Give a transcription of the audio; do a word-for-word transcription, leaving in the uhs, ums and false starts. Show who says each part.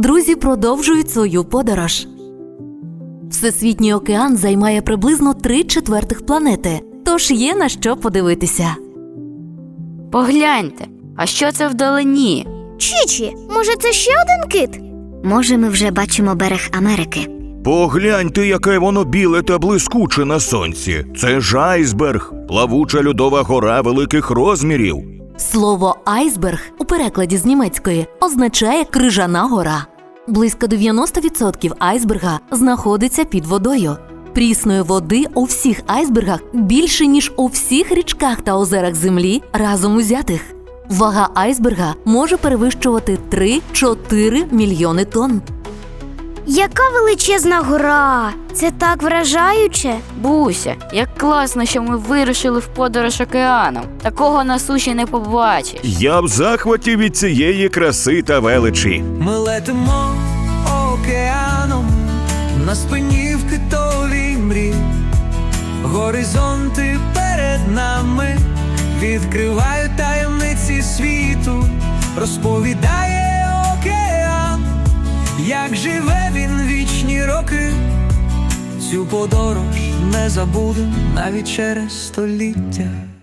Speaker 1: Друзі продовжують свою подорож. Всесвітній океан займає приблизно три четвертих планети, тож є на що подивитися.
Speaker 2: Погляньте, а що це вдалині?
Speaker 3: Чічі, може це ще один кит?
Speaker 4: Може, ми вже бачимо берег Америки.
Speaker 5: Погляньте, яке воно біле та блискуче на сонці. Це ж айсберг, плавуча льодова гора великих розмірів.
Speaker 1: Слово «айсберг» у перекладі з німецької означає «крижана гора». Близько дев'яносто відсотків айсберга знаходиться під водою. Прісної води у всіх айсбергах більше, ніж у всіх річках та озерах Землі разом узятих. Вага айсберга може перевищувати три-чотири мільйони тонн.
Speaker 3: Яка величезна гора! Це так вражаюче!
Speaker 2: Буся, як класно, що ми вирушили в подорож океаном. Такого на суші не побачиш.
Speaker 5: Я в захваті від цієї краси та величі.
Speaker 6: Ми летимо океаном, на спині в китовій мрі. Горизонти перед нами відкривають таємниці світу. Розповідає океан, як живе він вічні роки. Цю подорож не забудем навіть через століття.